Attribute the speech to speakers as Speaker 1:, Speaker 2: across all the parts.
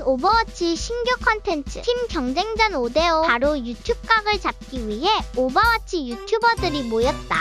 Speaker 1: 오버워치 신규 컨텐츠 팀 경쟁전 5대5 바로 유튜브 각을 잡기 위해 오버워치 유튜버들이 모였다.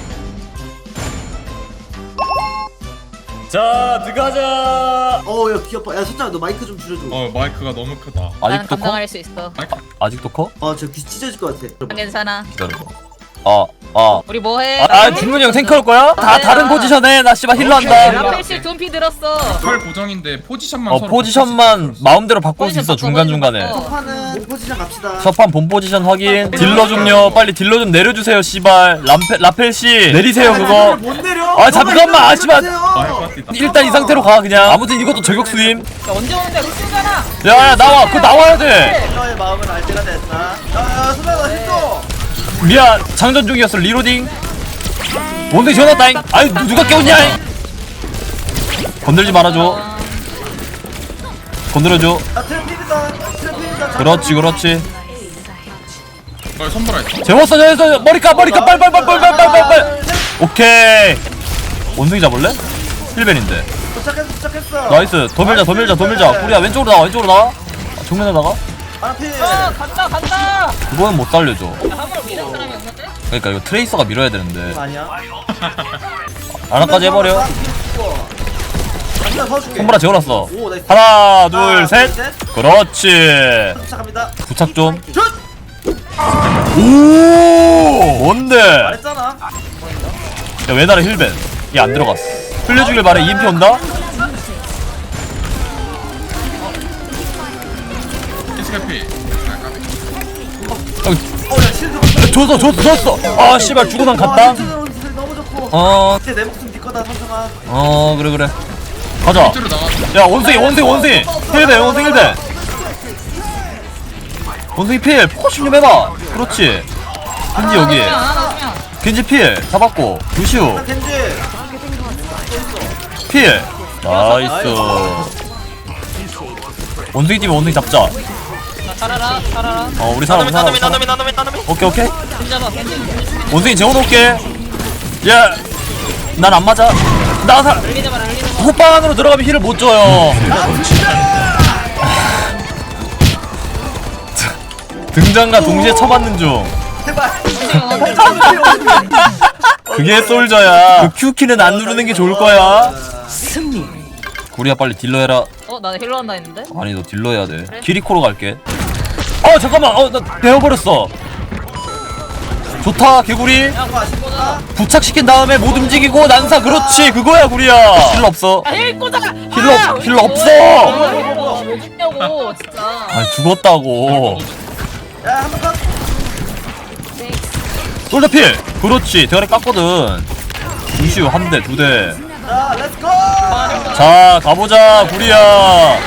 Speaker 2: 자, 들어가자.
Speaker 3: 야 귀엽다. 야 선장아 너 마이크 좀 줄여줘.
Speaker 4: 마이크가 너무 크다.
Speaker 5: 나는
Speaker 2: 아직도 커?
Speaker 5: 감당할 수 있어.
Speaker 2: 아직도 커?
Speaker 3: 저 귀 찢어질 것 같아.
Speaker 5: 괜찮아.
Speaker 2: 기다려봐.
Speaker 5: 우리 뭐해?
Speaker 2: 중문이 형 탱커 할 거야? 다 다른 포지션에 나 씨발 힐러 한다.
Speaker 5: 라펠실 둠피 들었어.
Speaker 4: 털 고정인데 포지션만 서로
Speaker 2: 포지션만 마음대로 바꿀 수 있어
Speaker 5: 포지션
Speaker 2: 중간중간에.
Speaker 5: 바꿔.
Speaker 3: 첫판은 본 포지션 갑시다.
Speaker 2: 첫판 본 포지션 확인. 딜러 좀요. 빨리 딜러 좀 내려주세요 씨발. 라펠 씨 내리세요 그거.
Speaker 3: 못 내려.
Speaker 2: 아, 잠깐만. 씨발.
Speaker 4: 파티다.
Speaker 2: 일단 이 상태로 가 그냥. 아무튼 이것도 저격수임.
Speaker 5: 야, 언제 오는데? 루시잖아.
Speaker 2: 야 나와. 그거 나와야 돼.
Speaker 3: 너의 마음은 알 때가 됐다. 야 선장아 힘줘.
Speaker 2: 미안 장전 중이었어. 리로딩. 뭔데 지어놨다잉. 아이 누가 깨웠냐. 건들지 말아줘. 건드려줘.
Speaker 3: 트래픽이다.
Speaker 2: 그렇지.
Speaker 4: 선물할게.
Speaker 2: 재웠어. 머리카 빨. 오케이. 원숭이 잡을래? 힐벤인데.
Speaker 3: 도착했어.
Speaker 2: 나이스. 더 밀자. 우리야 왼쪽으로 나와. 정면에 나가.
Speaker 3: 앞에.
Speaker 5: 간다.
Speaker 2: 그거는 못 살려줘.
Speaker 5: 한번 밀은 사람이 없는데?
Speaker 2: 그러니까 이거 트레이서가 밀어야 되는데.
Speaker 3: 아니야.
Speaker 2: 하나까지 해버려.
Speaker 3: 더 줄게.
Speaker 2: 손보라 재워놨어.
Speaker 3: 오 나이스.
Speaker 2: 하나 둘 셋. 그렇지.
Speaker 3: 도착합니다.
Speaker 2: 부착 좀.
Speaker 3: 슛.
Speaker 2: 오 뭔데?
Speaker 3: 말했잖아.
Speaker 2: 야 왜 나를 힐벤? 얘 안 들어갔어. 흘려주길 바래. EMP 온다.
Speaker 4: 키스카피.
Speaker 3: 야 실드.
Speaker 2: 줬어. 아 씨발 주고 난 갔다.
Speaker 3: 너무 좋고. 이제 내 목숨 네 거다 선정아.
Speaker 2: 그래. 가자.
Speaker 4: 실제로 나가.
Speaker 2: 야 원숭이 힐벤. 원숭이 필 포커싱 좀 해봐. 그렇지. 겐지 여기. 겐지 필 잡았고. 루시우
Speaker 3: 겐지.
Speaker 2: 필. 나이스. 원숭이 팀에 원숭이 잡자.
Speaker 5: 살아라.
Speaker 2: 우리 살아. 오케이.
Speaker 5: 잡아.
Speaker 2: 원숭이 재워놓을게. 난 안 맞아.
Speaker 5: 흘리자마라.
Speaker 2: 호빵 안으로 들어가면 힐을 못 줘요. 등장과 동시에 쳐맞는 중.
Speaker 3: 제발.
Speaker 2: 그게 솔저야. 그 Q키는 안 누르는 게 좋을 거야. 구리야 빨리 딜러 해라.
Speaker 5: 나 힐러 한다 했는데?
Speaker 2: 아니 너 딜러 해야 돼.
Speaker 5: 그래?
Speaker 2: 키리코로 갈게. 잠깐만. 나 배워버렸어. 좋다 개구리. 부착시킨 다음에 못 움직이고 난사. 그렇지 그거야 구리야. 힐러 없어.
Speaker 5: 힐 꽂아라.
Speaker 2: 힐러 없어.
Speaker 5: 뭐 죽냐고 진짜.
Speaker 2: 아니 죽었다고.
Speaker 3: 야 한번 더.
Speaker 2: 솔저 필. 그렇지 대가리 깠거든. 루시우 한 대, 두 대.
Speaker 3: 자 렛츠고.
Speaker 2: 자 가보자 구리야.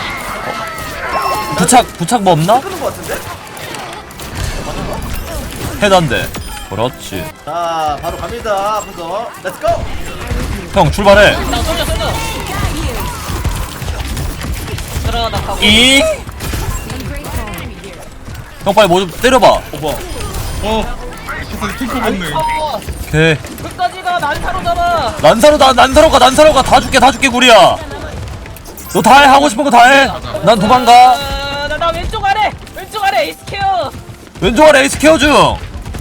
Speaker 2: 부착 뭐 없나?
Speaker 3: 끄는 거 같은데?
Speaker 2: 헤드 한 대. 그렇지.
Speaker 3: 자 바로 갑니다. 앞으로 렛츠고.
Speaker 2: 형 출발해.
Speaker 5: 나 쏠려. 들어가 나 가고.
Speaker 2: 형 빨리 뭐 좀 때려봐.
Speaker 4: 키스 탱커 본능.
Speaker 2: 오케이.
Speaker 5: 끝까지 가. 난사로 잡아.
Speaker 2: 난사로 가. 다 줄게 구리야. 너 다 해. 하고 싶은 거 다 해. 난 도망가.
Speaker 5: 나 왼쪽 아래 에이스케어.
Speaker 2: 왼쪽 아래 에이스 케어 중.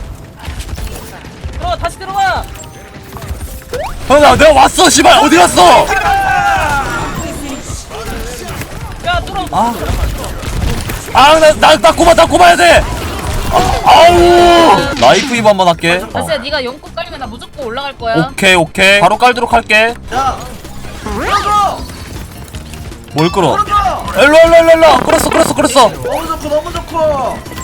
Speaker 5: 다시 들어가.
Speaker 2: 형 내가 왔어 씨발. 어디 갔어?
Speaker 5: 야 뚫어.
Speaker 2: 나 꼽아야 돼. 아우. 라이프 입 한번 할게.
Speaker 5: 다시야 네가 용꽃 깔리면 나 무조건 올라갈 거야.
Speaker 2: 오케이. 바로 깔도록 할게.
Speaker 3: 자. 끌어.
Speaker 2: 뭘 끌어?
Speaker 3: 끌어.
Speaker 2: 일로. 끌었어.
Speaker 3: 너무 좋고.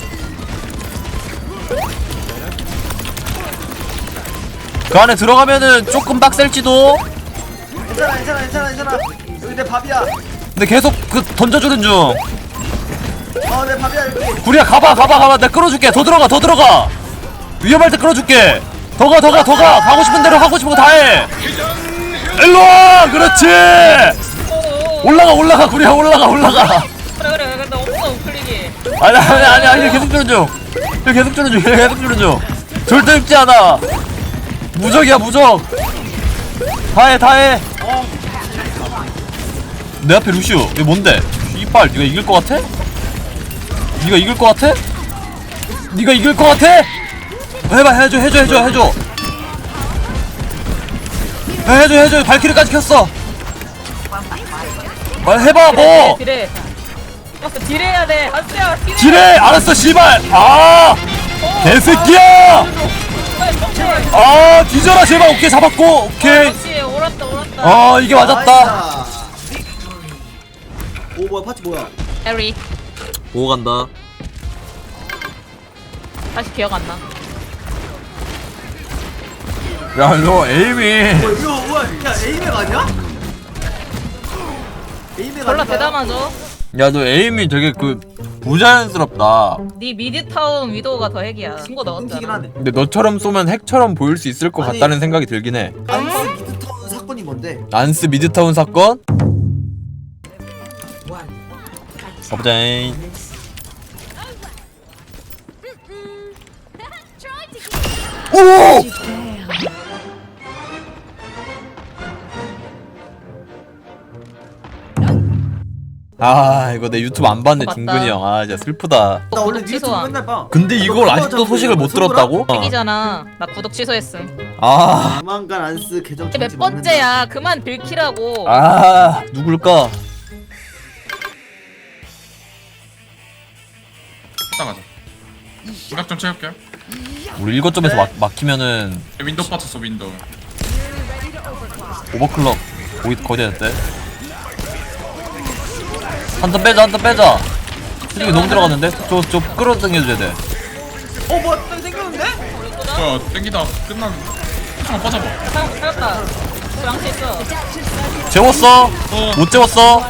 Speaker 2: 그 안에 들어가면은 조금 빡셀지도.
Speaker 3: 괜찮아. 여기 내 밥이야.
Speaker 2: 근데 계속 던져주는 중.
Speaker 3: 내 밥이야 여기.
Speaker 2: 구리야 가봐. 내가 끌어줄게. 더 들어가. 위험할 때 끌어줄게. 더 가. 하고 싶은 대로 하고 싶은 거 다 해. 일로와. 그렇지. 올라가 구리야. 올라가.
Speaker 5: 그래 나 없어 우클릭이.
Speaker 2: 아니 계속 주는 중. 절대 죽지 않아. 무적이야 무적. 다 해. 내 앞에 루시우. 이거 뭔데? 씨발 네가 이길 것 같아? 네가 이길 것 같아? 네가 이길 것 같아? 해봐 해줘 발키리까지 켰어. 해봐 뭐
Speaker 5: 딜해. 버스 딜해야 돼. 아스야 딜해.
Speaker 2: 지뢰 알았어 씨발. 아 개새끼야. 아 뒤져라 제발. 오케이 잡았고. 오케이.
Speaker 5: 역시 옳았다.
Speaker 2: 아 이게 맞았다.
Speaker 3: 나이스. 오 뭐야 파티 뭐야?
Speaker 5: 에리.
Speaker 2: 오 간다.
Speaker 5: 다시 기억 안 나.
Speaker 2: 야 너 에이미.
Speaker 3: 이거 뭐야? 야 에이맥 아니야? 에이맥
Speaker 5: 졸라
Speaker 3: 아닌가요?
Speaker 5: 대담하죠.
Speaker 2: 야 너 에이미 되게 그 부자연스럽다.
Speaker 5: 네 미드타운 위도우가 더 핵이야. 친구
Speaker 3: 끊기긴
Speaker 5: 넣었잖아.
Speaker 3: 하네.
Speaker 2: 근데 너처럼 쏘면 핵처럼 보일 수 있을 것
Speaker 3: 아니.
Speaker 2: 같다는 생각이 들긴 해.
Speaker 3: 안스 미드타운 사건이 뭔데?
Speaker 2: 안스 미드타운 사건? 가보자잉. 오! 아 이거 내 유튜브 안 봤네
Speaker 5: 맞다.
Speaker 2: 중근이 형. 아 진짜 슬프다.
Speaker 3: 나 원래
Speaker 5: 구독
Speaker 3: 니네
Speaker 5: 취소함.
Speaker 3: 맨날 봐.
Speaker 2: 근데 이걸 아직도 소식을 못 들었다고?
Speaker 5: 핵이잖아. 나 구독 취소했음.
Speaker 2: 아,
Speaker 3: 조만간 안스 계정
Speaker 5: 몇
Speaker 3: 정지
Speaker 5: 번째야? 그만 빌키라고.
Speaker 2: 아 누굴까?
Speaker 4: 이따 가자. 시각 좀 채울게요.
Speaker 2: 우리 1거점에서 막히면은
Speaker 4: 윈도우 빠졌어 윈도우.
Speaker 2: 오버클럭 거기 됐대. 한 턴 빼자. 솔직히 너무 들어갔는데? 저 끌어당겨줘야 돼.
Speaker 3: 어 뭐야 딱 생겼는데?
Speaker 4: 저 땡기다 끝난. 한번 빠져봐.
Speaker 5: 살았다. 그 양치 있어.
Speaker 2: 재웠어? 못 재웠어?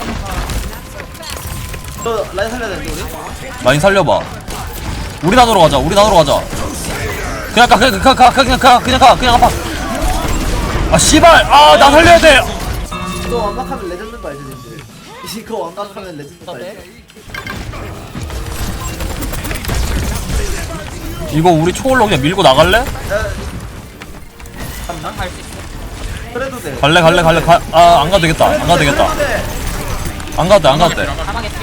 Speaker 3: 너 라인 살려야 되는데 우리?
Speaker 2: 많이 살려봐. 우리 나노로 가자. 그냥 가. 아 씨발. 아 나 살려야 돼.
Speaker 3: 이거 완박하면 레전드 거 알지 님들? 이거 완박하면 레전드 거 알지?
Speaker 2: 이거 우리 초월로 그냥 밀고 나갈래?
Speaker 3: 잠깐만
Speaker 5: 갈 수 있어.
Speaker 3: 그래도 돼.
Speaker 2: 갈래. 아 안 가도 되겠다. 안 가도 돼.
Speaker 5: 가망했지.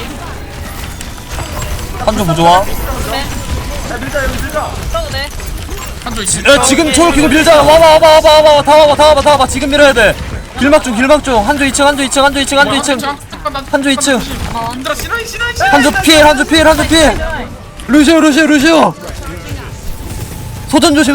Speaker 2: 한조 부좋아.
Speaker 5: 그래.
Speaker 3: 야 밀자 여기 밀자.
Speaker 5: 그러도 돼.
Speaker 4: 한조 있지.
Speaker 2: 야 지금 초월 키고 밀자. 와봐. 다 와봐. 지금 밀어야 돼. 길막 중. 한조 2층. 한조 2층.
Speaker 4: 힘들어 신호이.
Speaker 2: 한조 필. 루시오. 소전 조심.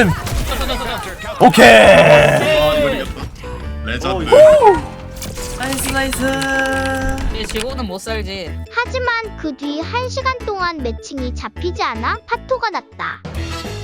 Speaker 2: 오케이.
Speaker 4: 이거 이겼다. 레전드.
Speaker 3: 나이스.
Speaker 5: 이 지구는 못 살지.
Speaker 1: 하지만 그 뒤 1시간 동안 매칭이 잡히지 않아 파토가 났다.